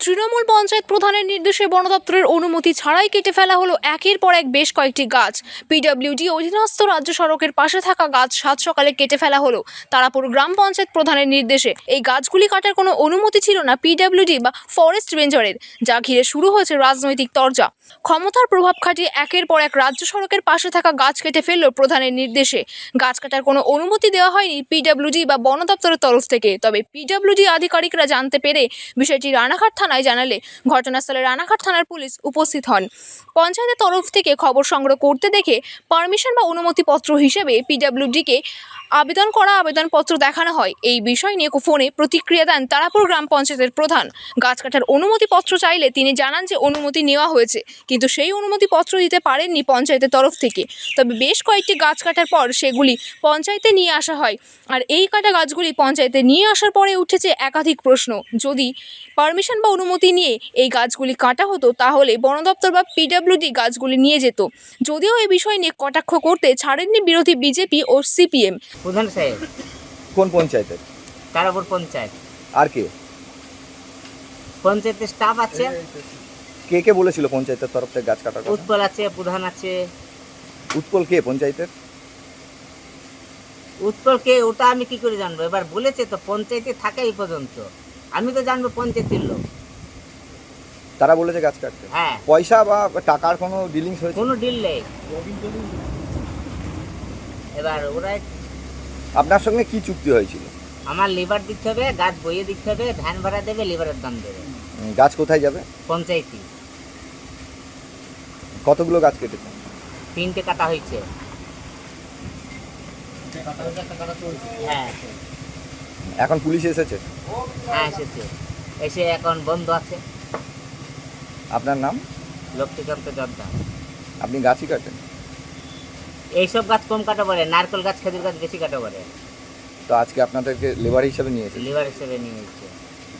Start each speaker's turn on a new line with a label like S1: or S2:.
S1: তৃণমূল পঞ্চায়েত প্রধানের নির্দেশে বন দপ্তরের অনুমতি ছাড়াই কেটে ফেলা হলো একের পর এক বেশ কয়েকটি গাছ। পিডব্লিউডি অধীনস্থ রাজ্য সড়কের পাশে থাকা গাছ সাত সকালে কেটে ফেলা হলো তারাপুর গ্রাম পঞ্চায়েত প্রধানের নির্দেশে। এই গাছগুলি কাটার কোনো অনুমতি ছিল না পিডব্লিউডি বা ফরেস্ট রেঞ্জারের, যা ঘিরে শুরু হয়েছে রাজনৈতিক তরজা। ক্ষমতার প্রভাব খাটিয়ে একের পর এক রাজ্য সড়কের পাশে থাকা গাছ কেটে ফেলল প্রধানের নির্দেশে। গাছ কাটার কোনো অনুমতি দেওয়া হয়নি পিডব্লিউডি বা বন দপ্তরের তরফ থেকে। তবে পিডব্লিউডি আধিকারিকরা জানতে পেরে বিষয়টি রানাঘাট থানায় জানালে ঘটনাস্থলে রানাঘাট থানার পুলিশ উপস্থিত হন। পঞ্চায়েতের তরফ থেকে খবর সংগ্রহ করতে দেখে পারমিশন বা অনুমতিপত্র হিসেবে পিডব্লিউডিকে আবেদনপত্র দেখানো হয়। এই বিষয় নিয়ে ফোনে প্রতিক্রিয়া দেন তারাপুর গ্রাম পঞ্চায়েতের প্রধান। গাছ কাটার অনুমতিপত্র চাইলে তিনি জানান যে অনুমতি নেওয়া হয়েছে, কিন্তু সেই অনুমতিপত্র দিতে পারেননি পঞ্চায়েতের তরফ থেকে। তবে বেশ কয়েকটি গাছ কাটার পর সেগুলি পঞ্চায়েতে নিয়ে আসা হয়। আর এই কাটা গাছগুলি পঞ্চায়েতে নিয়ে আসার পরে উঠেছে একাধিক প্রশ্ন। যদি পারমিশন বা অনুমতি নিয়ে এই গাছগুলি কাটা হতো তাহলে বন দপ্তর বা পিডব্লিউডি গাছগুলি নিয়ে যেত। যদিও এই বিষয় নিয়ে কটাক্ষ করতে ছাড়েননি বিরোধী বিজেপি ও সিপিএম।
S2: প্রধান সাহেব,
S3: কোন পঞ্চায়েতের?
S2: তারাপুর পঞ্চায়েত।
S3: আর কে
S2: পঞ্চায়েতের স্টাফ আছে,
S3: কে কে বলেছিল পঞ্চায়েতের তরফ থেকে গাছ কাটার কথা?
S2: উৎপল আছে, প্রধান আছে।
S3: উৎপল কে পঞ্চায়েতের?
S2: উৎপলকে ওটা আমি কি করে জানবো? এবার বলেছে তো পঞ্চায়েতে থাকে এই পর্যন্ত, আমি তো জানবো পঞ্চায়েতের লোক।
S3: তারা বলেছে গাছ কাটতে।
S2: হ্যাঁ,
S3: পয়সা বা টাকার কোনো ডিলিংস হয়েছে?
S2: কোনো ডিল নেই। এবার ওরা
S3: আপনার সঙ্গে কি চুক্তি হয়েছিল?
S2: আমার লিভার দিতে হবে, গাছ বইয়ে দিতে হবে, ভ্যান ভাড়া দেবে, লিভারের দাম দেবে।
S3: গাছ কোথায় যাবে?
S2: পঞ্চায়েতই।
S3: কতগুলো গাছ কেটেছে?
S2: 3টে কাটা হয়েছে। হ্যাঁ
S3: এখন পুলিশ এসেছে?
S2: হ্যাঁ এসেছে, এসে এখন বন্ধ আছে।
S3: আপনার নাম?
S2: লক্ষ্মীকান্ত জর্দা।
S3: আপনি গাছই কাটেন?
S2: এইসব গাছ কম কাটা পড়ে, নারকেল গাছ, খেজুর গাছ বেশি কাটা পড়ে।
S3: তো আজকে আপনাদেরকে লেবার হিসাবে নিয়েছে?
S2: লিভার হিসেবে নিয়ে এসেছে।